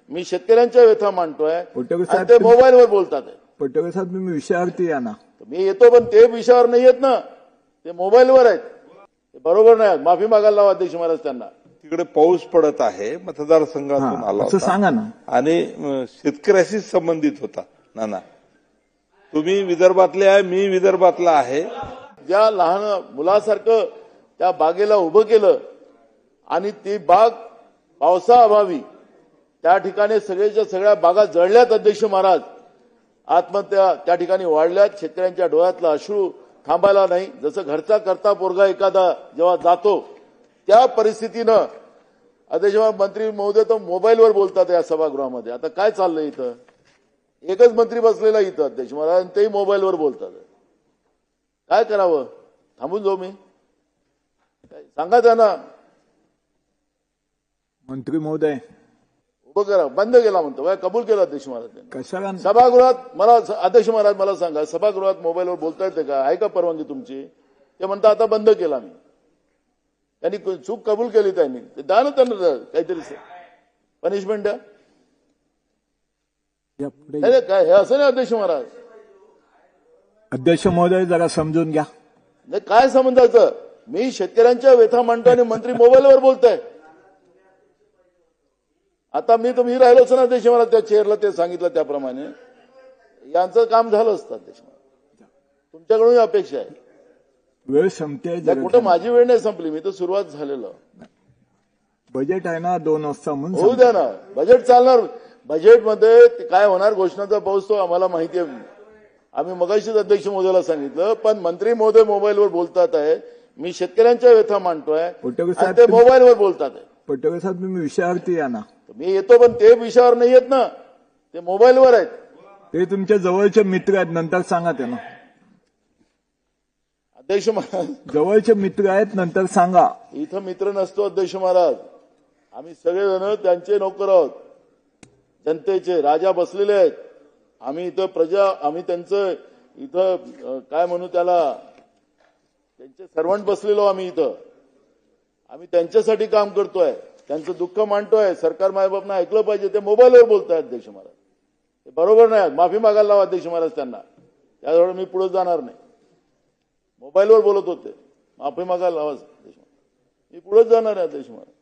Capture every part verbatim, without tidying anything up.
मी शेतकऱ्यांच्या व्यथा मांडतोय पटोले आणि साहेब ते तुम्ही- मोबाईलवर बोलतात आहे. पटोले साहेब तुम्ही विषयावरती या ना. मी येतो पण ते विषयावर नाही येत ना, ते मोबाईलवर आहेत. ते बरोबर नाही. माफी मागायला लावा अध्यक्ष महाराज त्यांना. तिकडे पाऊस पडत आहे, मतदारसंघातून हा, आला असं होता सांगा ना. आणि अं, शेतकऱ्याशीच संबंधित होता. नाना, तुम्ही विदर्भातले आहे, मी विदर्भातला आहे. ज्या लहान मुलासारखं त्या बागेला उभं केलं आणि ती बाग पावसाअभावी त्या ठिकाणी सगळ्याच्या सगळ्या बागा जळल्यात अध्यक्ष महाराज. आत्महत्या त्या ठिकाणी वाढल्यात. शेतकऱ्यांच्या डोळ्यातला अश्रू थांबायला नाही. जसं घरचा करता पोरगा एखादा जेव्हा जातो त्या परिस्थितीनं अध्यक्ष मंत्री महोदय तर मोबाईलवर बोलतात या सभागृहामध्ये. आता काय चाललंय इथं? एकच मंत्री बसलेला इथं अध्यक्ष महाराज आणि तेही मोबाईलवर बोलतात. काय करावं? थांबून जाऊ मी? सांगा त्यांना. मंत्री महोदय उभं करा. बंद केला म्हणतो. काय कबूल केलं अध्यक्ष महाराज? कशाला सभागृहात मला अध्यक्ष महाराज मला सांगा, सभागृहात मोबाईलवर बोलता येते का? आहे का परवानगी तुमची? ते म्हणता आता बंद केला मी. त्यांनी चूक कबूल केली त्यांनी. ते द्या ना त्यांना काहीतरी पनिशमेंट द्या. या पुढे नाही, काय हे असं नाही अध्यक्ष महाराज. अध्यक्ष महोदय जरा समजून घ्या. नाही काय समजायचं? मी शेतकऱ्यांच्या व्यथा मांडतो आणि मंत्री मोबाईलवर बोलताय. आता मी तुम्ही राहिलोच ना अध्यक्ष महाराज त्या चेअरला, ते सांगितलं त्याप्रमाणे यांचं काम झालं असतं अध्यक्ष महाराज. तुमच्याकडून ही अपेक्षा आहे. वेळ संपते. कुठं माझी वेळ नाही संपली. मी तर सुरुवात झालेलं. बजेट आहे ना दोन वाजता म्हणून होऊ द्या ना. बजेट चालणार. बजेटमध्ये काय होणार घोषणाचा पाऊस तो आम्हाला माहिती आहे. आम्ही मगाशीच अध्यक्ष महोदयाला सांगितलं. पण मंत्री महोदय मोबाईलवर बोलतात आहे. मी शेतकऱ्यांच्या व्यथा मांडतोय पटोले आणि साहेब ते तुम्ही- मोबाईलवर बोलतात आहे. पटोले साहेब तुम्ही विषयावरती या ना. मी येतो पण ते विषयावर नाही येत ना, ते मोबाईलवर आहेत. ते तुमच्या जवळचे मित्र आहेत, नंतर सांगा त्यांना. अध्यक्ष महाराज जवळचे मित्र आहेत, नंतर सांगा. इथं मित्र नसतो अध्यक्ष महाराज. आम्ही सगळेजण त्यांचे नोकर आहोत. जनतेचे राजा बसलेले आहेत. आम्ही इथं प्रजा, आम्ही त्यांचं इथं अं, काय म्हणू त्याला, त्यांचे सर्वंट बसलेलो आम्ही इथं. आम्ही त्यांच्यासाठी काम करतोय. त्यांचं दुःख मांडतोय. सरकार मायबापनं ऐकलं पाहिजे. ते मोबाईलवर बोलताय अध्यक्ष महाराज. ते बरोबर नाही. माफी मागायला लावा अध्यक्ष महाराज त्यांना. त्याजवळ मी पुढे जाणार नाही. मोबाईलवर बोलत होते. माफी मागायला लावा अध्यक्ष महाराज. मी पुढेच जाणार आहे अध्यक्ष महाराज.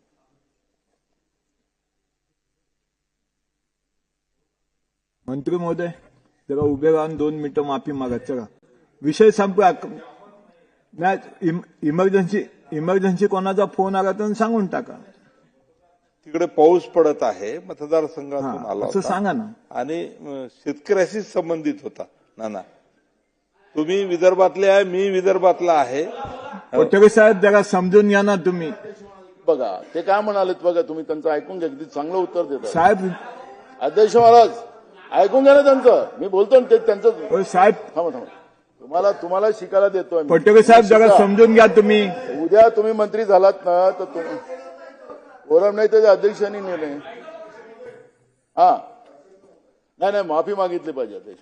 मंत्री महोदय जरा उभे राहून दोन मिनिटं माफी मागा. चला विषय संपला. नाही इमर्जन्सी इमर्जन्सी कोणाचा फोन आला तर सांगून टाका. तिकडे पाऊस पडत आहे, मतदारसंघातून हा, आला असं होता सांगा ना. आणि अं, शेतकऱ्याशीच संबंधित होता. नाना, तुम्ही विदर्भातले आहे, मी विदर्भातला आहे. पटोले साहेब जरा समजून घ्या ना तुम्ही. बघा ते काय म्हणालेत बघा. तुम्ही त्यांचं ऐकून घ्या. किती चांगलं उत्तर देतात साहेब. अध्यक्ष महाराज. ऐकून घ्या ना त्यांचं. मी बोलतो ना ते त्यांचं. ओ साहेब. थांबा थांबा. तुम्हाला तुम्हाला शिकायला देतोय मी. पटोले साहेब जरा शिका. समजून घ्या तुम्ही. उद्या तुम्ही मंत्री झालात ना तर तुम्ही फोरम नाही त्याच्या अध्यक्षांनी नेले. हा नाही नाही माफी मागितली पाहिजे अध्यक्ष.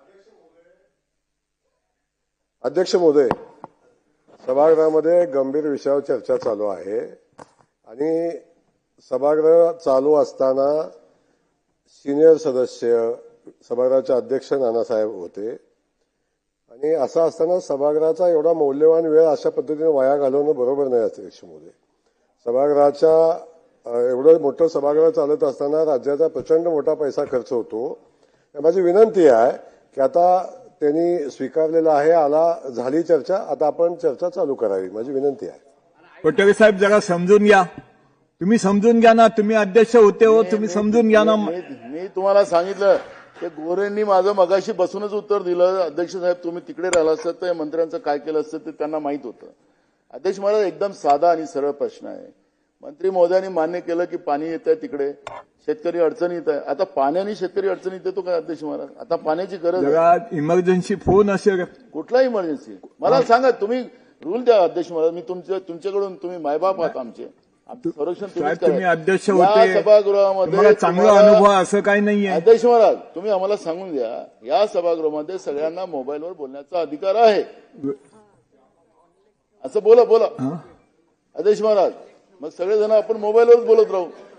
अध्यक्ष महोदय, सभागृहामध्ये गंभीर विषयावर चर्चा चालू आहे आणि सभागृह चालू असताना सिनियर सदस्य सभागृहाचे अध्यक्ष नानासाहेब होते आणि असं असताना सभागृहाचा एवढा मौल्यवान वेळ अशा पद्धतीने वाया घालवणं बरोबर नाही अध्यक्ष महोदय. सभागृहाच्या एवढं मोठं सभागृह चालत असताना राज्याचा प्रचंड मोठा पैसा खर्च होतो. माझी विनंती आहे की आता त्यांनी स्वीकारलेला आहे, आला झाली चर्चा, आता आपण चर्चा चालू करावी, माझी विनंती आहे. पटोले साहेब जरा समजून घ्या. तुम्ही समजून घ्या ना. तुम्ही अध्यक्ष होते हो, तुम्ही समजून घ्या ना. मी मी तुम्हाला सांगितलं ते गोरेंनी माझं मगाशी बसूनच उत्तर दिलं. अध्यक्ष साहेब तुम्ही तिकडे राहिला असतात तर मंत्र्यांचं काय केलं असतं ते त्यांना माहित होतं. अध्यक्ष महाराज एकदम साधा आणि सरळ प्रश्न आहे. मंत्री महोदयांनी मान्य केलं की पाणी येत आहे तिकडे, शेतकरी अडचणीत आहे. आता पाण्याने शेतकरी अडचणीत येतो काय अध्यक्ष महाराज? आता पाण्याची गरज आहे. जरा इमर्जन्सी फोन असेल. कुठला इमर्जन्सी मला सांगा. तुम्ही रूल द्या अध्यक्ष महाराज. मी तुमच्या तुमच्याकडून तुम्ही मायबाप आहात आमचे. आमचं संरक्षण साहेब तुम्हीच तुम्ही करा. अध्यक्ष या होते, सभागृहामध्ये तुम्हाला चांगला तुम्हाला- अनुभव असं काही नाहीये. अध्यक्ष महाराज तुम्ही आम्हाला सांगून द्या. या सभागृहामध्ये सगळ्यांना मोबाईलवर बोलण्याचा अधिकार आहे. असं बोला बोला हा? अध्यक्ष महाराज. मग सगळेजण आपण मोबाईलवरच बोलत राहू.